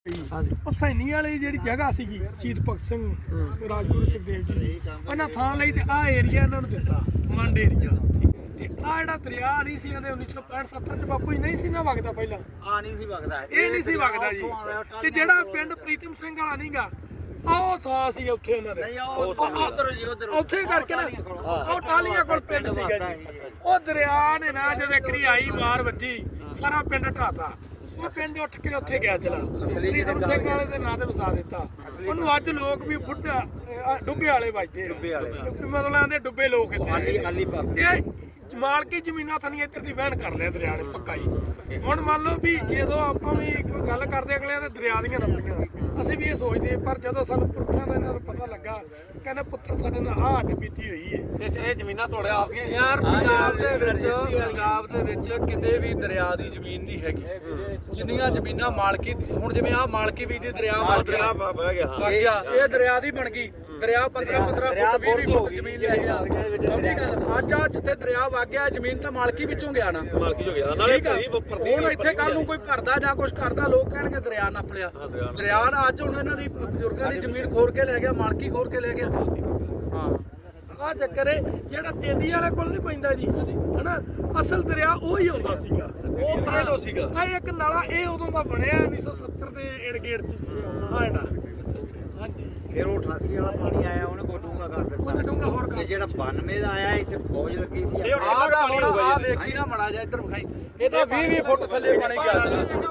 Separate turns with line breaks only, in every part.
ਉਹ ਸੈਣੀ ਵਾਲੀ ਜਿਹੜੀ ਜਗ੍ਹਾ ਸੀਗੀ ਸ਼ਹੀਦ ਭਗਤ ਸਿੰਘ ਰਾਜਗੁਰੂ ਸੁਖਦੇਵ ਜੀ ਦੀ ਉਹਨਾਂ ਥਾਂ ਲਈ ਤੇ ਆਹ ਏਰੀਆ ਇਹਨਾਂ ਨੂੰ ਦਿੱਤਾ ਮੰਡ ਏਰੀਆ ਤੇ ਆਹ ਜਿਹੜਾ ਦਰਿਆ ਨਹੀਂ ਸੀ ਇਹਦੇ 1965 70 ਚ ਬਾਪੂ ਜੀ ਨਹੀਂ ਸੀ ਨਾ ਵਗਦਾ ਪਹਿਲਾਂ
ਨਹੀਂ ਸੀ ਵਗਦਾ
ਇਹ ਨਹੀਂ ਸੀ ਵਗਦਾ ਜੀ ਤੇ ਜਿਹੜਾ ਪਿੰਡ ਪ੍ਰੀਤਮ ਸਿੰਘ ਵਾਲਾ ਨਹੀਂਗਾ ਉਹ ਥਾਂ ਸੀ ਉੱਥੇ ਉਹਨਾਂ ਦੇ ਉੱਥੇ ਕਰਕੇ ਨਾ ਉਹ ਟਾਲੀਆਂ ਕੋਲ ਪਿੰਡ ਸੀਗਾ ਜੀ ਉਹ ਦਰਿਆ ਨੇ ਨਾ ਜਦੋਂ ਕਰੀ ਆਈ ਮਾਰ ਵੱਜੀ ਸਾਰਾ ਪਿੰਡ ਢਾਤਾ ਉਹ ਪਿੰਡ ਉੱਠ ਕੇ ਉੱਥੇ ਗਿਆ ਚਲਾ ਪ੍ਰੀਤਮ ਸਿੰਘ ਵਾਲੇ ਦੇ ਨਾਂ ਤੇ ਵਸਾ ਦਿੱਤਾ ਉਹਨੂੰ ਅੱਜ ਲੋਕ ਵੀ ਬੁੱਢਾ ਡੁੱਬੇ ਵਾਲੇ ਵੱਜਦੇ ਮਤਲਬ ਆਂਦੇ ਡੁੱਬੇ ਲੋਕ ਇੱਥੇ ਮਾਲਕੀ ਜ਼ਮੀਨਾਂ ਥਾਨੀ ਇੱਧਰ ਦੀ ਵਹਿਣ ਕਰ ਲਿਆ ਦਰਿਆ ਨੇ ਪੱਕਾ ਹੀ ਹੁਣ ਮੰਨ ਲਓ ਵੀ ਜਦੋਂ ਆਪਾਂ ਵੀ ਕੋਈ ਗੱਲ ਕਰਦੇ ਅਗਲਿਆਂ ਦੇ ਦਰਿਆ ਦੀਆਂ ਨੰਬੀਆਂ ਅਸੀਂ ਵੀ ਇਹ ਸੋਚਦੇ ਪਰ ਜਦੋਂ ਸਾਨੂੰ ਪੁਰਖਾਂ ਦਾ ਇਹਨਾਂ ਨੂੰ ਪਤਾ ਲੱਗਾ ਕਹਿੰਦੇ ਪੁੱਤਰ ਸਾਡੇ ਨਾਲ ਆਹ ਹੱਡ ਬੀਤੀ ਹੋਈ ਹੈ
ਤੇ ਇਹ ਜ਼ਮੀਨਾਂ ਤੁਹਾਡੇ ਆਪਦੀਆਂ
ਯਾਰ ਪੰਜਾਬ ਦੇ ਵਿੱਚ ਕਿਤੇ ਵੀ ਦਰਿਆ ਦੀ ਜ਼ਮੀਨ ਨਹੀਂ ਹੈਗੀ ਜਿੰਨੀਆਂ ਜ਼ਮੀਨਾਂ ਮਾਲਕੀ ਹੁਣ ਜਿਵੇਂ ਆਹ ਮਾਲਕੀ ਵੀ ਦੀ ਦਰਿਆ
ਬਹਿ ਗਿਆ
ਇਹ ਦਰਿਆ ਦੀ ਬਣ ਗਈ ਦਰਿਆ 15 ਫੁੱਟ 20 ਫੁੱਟ ਜ਼ਮੀਨ ਲੈ ਗਿਆ ਅੱਜ ਆ ਜਿੱਥੇ ਦਰਿਆ ਵਗ ਗਿਆ ਜ਼ਮੀਨ ਤਾਂ ਮਾਲਕੀ ਵਿੱਚੋਂ ਗਿਆ ਨਾ
ਮਾਲਕੀ ਹੋ ਗਿਆ ਨਾਲੇ
ਹੁਣ ਇੱਥੇ ਕੱਲ ਨੂੰ ਕੋਈ ਭਰਦਾ ਜਾਂ ਕੁਝ ਕਰਦਾ ਲੋਕ ਕਹਿਣਗੇ ਦਰਿਆ ਨੱਪ ਲਿਆ ਦਰਿਆ ਨਾ ਅੱਜ ਹੁਣ ਇਹਨਾਂ ਦੀ ਬਜ਼ੁਰਗਾਂ ਦੀ ਜ਼ਮੀਨ ਖੋਰ ਕੇ ਲੈ ਗਿਆ ਮਾਲਕੀ ਖੋਰ ਕੇ ਲੈ ਗਿਆ ਹਾਂ
ਆਹ ਚੱਕਰ ਹੈ ਜਿਹੜਾ ਤੇਂਦੀ ਵਾਲੇ ਕੋਲ ਨਹੀਂ ਪੈਂਦਾ ਜੀ ਹਨਾ ਅਸਲ ਦਰਿਆ ਉਹ ਹੀ ਹੁੰਦਾ ਸੀਗਾ
ਉਹ ਪਹਿਲੋਂ ਸੀਗਾ
ਆ ਇੱਕ ਨਾਲਾ ਇਹ ਉਦੋਂ ਦਾ ਬਣਿਆ 1970 ਦੇ ਏੜ-ਗੇੜ ਚ ਹਾਂ ਇਹਦਾ ਹਾਂਜੀ
ਫਿਰ ਉਹ 88 ਵਾਲਾ ਪਾਣੀ ਆਇਆ ਉਹਨੇ ਕੋਈ ਡੂੰਗਾ ਕਰ ਦਿੱਤਾ
ਉਹਨੇ ਡੂੰਘਾ ਹੋਰ ਕਰ
ਤੇ ਜਿਹੜਾ 92 ਦਾ ਆਇਆ ਇੱਥੇ ਫੌਜ ਲੱਗੀ ਸੀ
ਆਹ ਵੇਖੀ ਨਾ ਮੜਾ ਜਾ ਇੱਧਰ ਵਿਖਾਈ ਇਹ ਤਾਂ 20 ਫੁੱਟ ਥੱਲੇ ਪਾਣੀ ਗਿਆ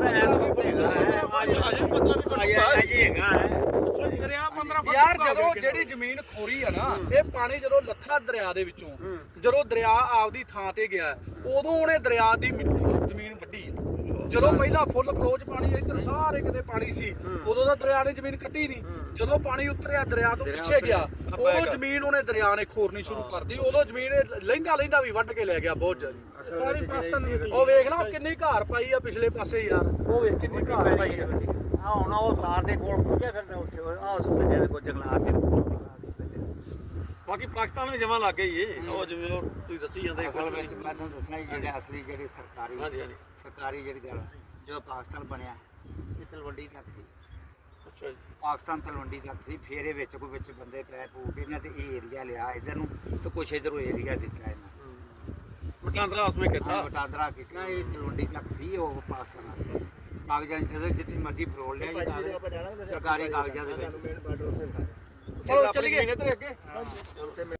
ਦਰਿਆ 15 ਫੁੱਟ
ਯਾਰ ਜਦੋਂ ਜਿਹੜੀ ਜ਼ਮੀਨ ਖੋਰੀ ਆ ਨਾ ਇਹ ਪਾਣੀ ਜਦੋਂ ਲੱਥਾ ਦਰਿਆ ਦੇ ਵਿੱਚੋਂ ਜਦੋਂ ਦਰਿਆ ਆਪਦੀ ਥਾਂ ਤੇ ਗਿਆ ਉਦੋਂ ਉਹਨੇ ਦਰਿਆ ਦੀ ਜ਼ਮੀਨ ਵੱਢੀ ਜਦੋਂ ਪਹਿਲਾਂ ਫੁੱਲ ਫਲੋ ਚ ਪਾਣੀ ਇੱਧਰ ਸਾਰੇ ਕਿਤੇ ਪਾਣੀ ਸੀ ਉਦੋਂ ਤਾਂ ਦਰਿਆ ਨੇ ਜ਼ਮੀਨ ਕੱਟੀ ਨਹੀਂ ਜਦੋਂ ਪਾਣੀ ਉਤਰਿਆ ਦਰਿਆ ਤੋਂ ਪਿੱਛੇ ਗਿਆ ਉਦੋਂ ਜ਼ਮੀਨ ਉਹਨੇ ਦਰਿਆ ਨੇ ਖੋਰਨੀ ਸ਼ੁਰੂ ਕਰਦੀ ਉਦੋਂ ਜ਼ਮੀਨ ਲਹਿੰਦਾ ਵੀ ਵੱਢ ਕੇ ਲੈ ਗਿਆ ਬਹੁਤ ਜ਼ਿਆਦਾ
ਸਾਰੀ ਪਾਕਿਸਤਾਨ
ਉਹ ਵੇਖ ਲਾ ਕਿੰਨੀ ਘਾਰ ਪਾਈ ਆ ਪਿਛਲੇ ਪਾਸੇ ਯਾਰ ਉਹ ਵੇਖ ਕਿੰਨੀ ਘਾਰ ਪਾਈ ਆ
ਹੁਣ ਉਹ ਤਾਰ ਦੇ ਕੋਲ ਪੁੱਜਿਆ ਫਿਰਦਾ ਉੱਥੇ ਆਹ ਸੁਬੇ ਦੇ ਕੋਈ ਜੰਗਲਾਤ ਦੇ ਬਾਕੀ ਪਾਕਿਸਤਾਨ ਨੂੰ ਜਮਾ ਲੱਗ ਗਈ ਏ ਉਹ ਜਿਵੇਂ ਉਹ ਤੁਸੀਂ ਦੱਸੀ ਜਾਂਦੇ
ਅਸਲ ਵਿੱਚ ਮੈਂ ਤੁਹਾਨੂੰ ਦੱਸਣਾ ਜਿਹੜੇ ਅਸਲੀ ਜਿਹੜੀ ਸਰਕਾਰੀ ਜਿਹੜੀ ਗੱਲ ਜਦੋਂ ਪਾਕਿਸਤਾਨ ਬਣਿਆ ਇਹ ਤਲਵੰਡੀ ਤੱਕ ਸੀ
ਅੱਛਾ ਜੀ
ਪਾਕਿਸਤਾਨ ਤਲਵੰਡੀ ਤੱਕ ਸੀ ਫਿਰ ਇਹ ਵਿੱਚ ਕੋਈ ਵਿੱਚ ਬੰਦੇ ਪੈ ਪੂ ਕੇ ਇਹਨਾਂ ਤੇ ਇਹ ਏਰੀਆ ਲਿਆ ਇੱਧਰ ਨੂੰ ਤੇ ਕੁਛ ਇੱਧਰੋਂ ਏਰੀਆ ਦਿੱਤਾ ਇਹਨਾਂ
ਵਟਾਂਦਰਾ ਉਸਮੇ ਕਿੱਥਾ
ਵਟਾਂਦਰਾ ਕੀਤਾ ਇਹ ਤਲਵੰਡੀ ਤੱਕ ਸੀ ਉਹ ਪਾਕਿਸਤਾਨ ਕਾਗਜ਼ਾਂ ਜਿੱਥੇ ਮਰਜ਼ੀ ਫਰੋਲ ਲਿਆ ਜੀ ਸਰਕਾਰੀ ਕਾਗਜ਼ਾਂ ਦੇ ਵਿੱਚ
ਚਲੋ ਚੱਲੀਏ ਇੱਧਰ ਅੱਗੇ